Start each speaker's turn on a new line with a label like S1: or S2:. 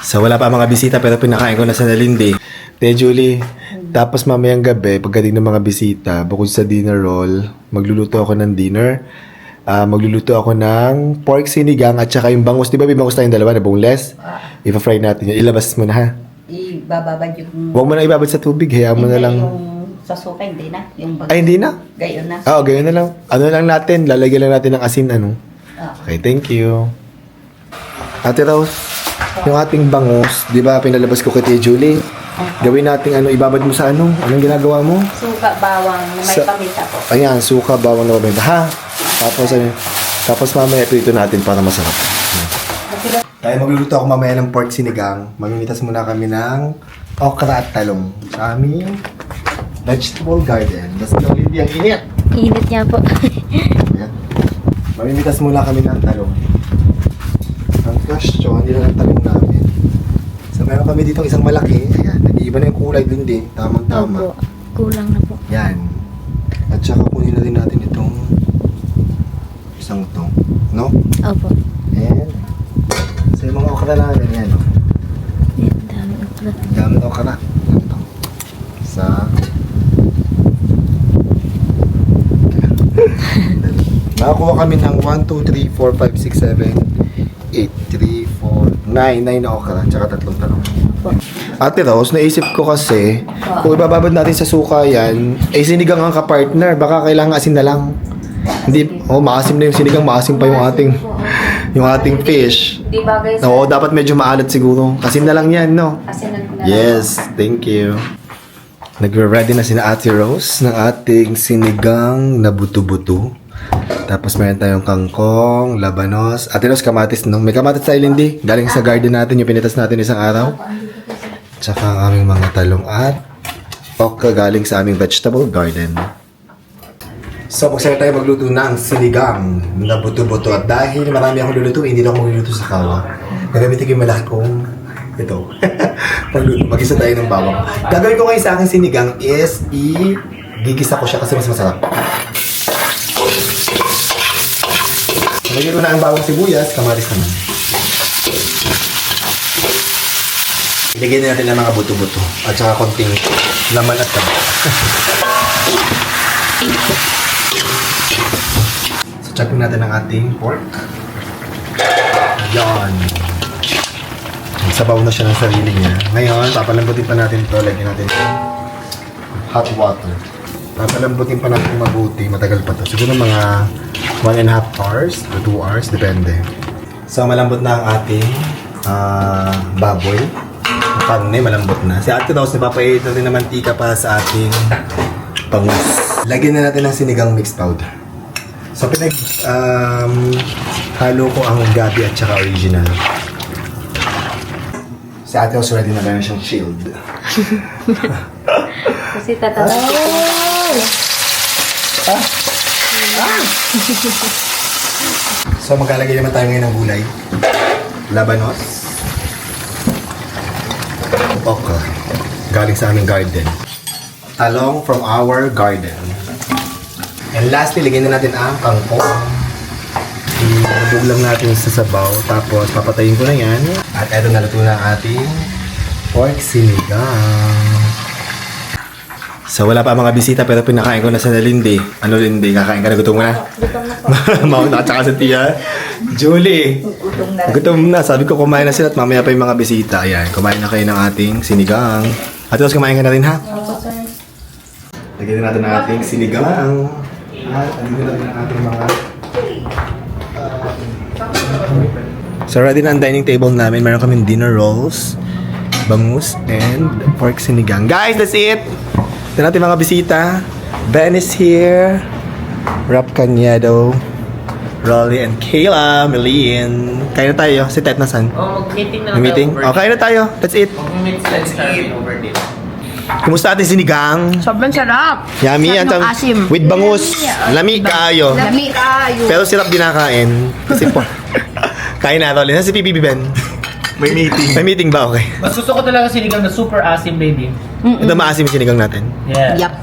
S1: So wala pa mga bisita pero pinakain ko na sa Nalindi. Te Julie, tapos mamayang gabi, pagdating ng mga bisita, bukod sa dinner roll, magluluto ako ng dinner. Magluluto ako ng pork sinigang at saka yung bangus. Di ba may bangus tayong dalawa na boneless? Ipa-fry natin yun. Ilabas mo na ha.
S2: Ibababad yung...
S1: Huwag mo na ibabad sa tubig. Hayaan mo na lang.
S2: Yung sa suka, hindi na. Yung
S1: Ay, hindi na?
S2: Gayon na.
S1: Oo, ganyan na lang. Ano lang natin, lalagyan lang natin ng asin, ano. Okay, thank you. Ate Rose, yung ating bangus, di ba pinalabas ko kay Tia Julie? Gawin natin ano, ibabad mo sa ano? Anong ginagawa mo?
S2: Suka, bawang, na may paminta po.
S1: Ayan, suka, bawang na paminta. Ha? Tapos mamaya ito natin para masarap. Tayo magluluto ako mamaya ng pork sinigang. Mamimitas muna kami ng okra at talong sa aming vegetable garden. Basta hindi ang init.
S3: Init niya po.
S1: Ayan. Mamimitas muna kami ng talong. Ang question, hindi lang ang talong namin. So meron kami dito isang malaki. Ayan, nag-iiba na yung kulay din din. Tamang-tama.
S3: Opo. Kulang na po.
S1: Yan. At saka kunin na rin natin itong isang to. No?
S3: Opo.
S1: And so yung mga okra namin yan. No?
S3: Yan, dami okra.
S1: Dami na okra. Ito. Sa nakakuha kami ng 1, 2, 3, 4, 5, 6, 7, 8, 3, 4, 9 na okra, tsaka 3 talong.
S3: Opo.
S1: Ate Rose, naisip ko kasi, kung ibababad natin sa suka yan, sinigang ang kapartner, baka kailangan asin na lang. Hindi, maasim na yung sinigang, maasim pa yung ating fish.
S2: Di bagay sa...
S1: Oo, dapat medyo maalat siguro. Asin na lang yan, no?
S2: Asinan ko na
S1: Yes, thank you. Nagre-ready na sina Ate Rose ng ating sinigang na buto-buto. Tapos meron tayong kangkong, labanos. Ate Rose, kamatis, no? May kamatis tayo, Lindy. Galing sa garden natin, yung pinitas natin isang araw. Tsaka ang aming mga talong at okra galing sa aming vegetable garden. So, magsaya tayo magluto ng sinigang na buto-buto. At dahil marami akong lulutuin, hindi na ako magluluto sa kawa. Nagamitin ko yung malaki kong ito. Mag-isa tayo ng bawang. Gagawin ko ngayon sa aking sinigang is gigisa ko siya kasi mas masarap. Lagyan ko na ang bawang sibuyas, kamaris naman. Ilagyan na natin ang mga buto-buto at saka konting laman at taba. So, check natin ang ating pork. Yan. Sabaw na siya ng sarili niya. Ngayon, papalambutin pa natin ito. Lagyan natin hot water. Papalambutin pa natin mabuti. Matagal pa to. Siguro mga 1.5 hours to 2 hours. Depende. So, malambot na ang ating baboy. Karne, malambot na. Si Ate Rose, napapait natin ng mantika para sa ating bangus. Lagyan na natin ng sinigang mixed powder. So, halo ko ang gabi at saka original. Si Ate Rose ready na meron siyang shield.
S2: Kasi tatanong ko.
S1: So, maglalagay naman tayo ngayon ng gulay. Labanos. Okra. Galing sa aming garden. Talong from our garden. And lastly, lagyan na natin ang kangkong. Ilubog lang natin sa sabaw. Tapos, papatayin ko na yan. At eto, naluto na ang ating pork sinigang. So, wala pa mga bisita pero pinakain ko na sa Nalindi. Ano, Lindy? Kakain ka na? Gutom mo na?
S2: Gutom na po.
S1: Mauna ka tsaka sa tiya. Julie!
S2: Gutom na rin.
S1: Gutom na. Sabi ko kumain na sila at mamaya pa yung mga bisita. Ayan, kumain na kayo ng ating sinigang. At tapos kumain ka na rin, ha?
S2: Opo, sir.
S1: Lagyan na natin ang ating sinigang. At lagyan natin ang ating mga... So ready na ang dining table namin. Meron kaming dinner rolls, bangus, and pork sinigang. Guys, that's it! Ito natin mga bisita. Ben is here. Rap Cañedo. Rolly and Kayla. Melin. Kain na tayo. Si Tet nasan?
S4: mag-meeting na
S1: May meeting? Oh, kain na tayo. That's it.
S4: Let's start over din.
S1: Kumusta ating sinigang?
S3: Sobrang sarap.
S1: Yummy.
S3: Sarap ng asim.
S1: With bangus. Lami kayo.
S3: Lami kayo.
S1: Pero sirap din nakain. Kasi po. Kain na, Rolly. Nasa si PBB, Ben? May meeting. May meeting ba? Okay.
S4: Mas gusto ko talaga sinigang na super asim, baby.
S1: Ito maasim yung sinigang natin.
S4: Yeah.
S3: Yup.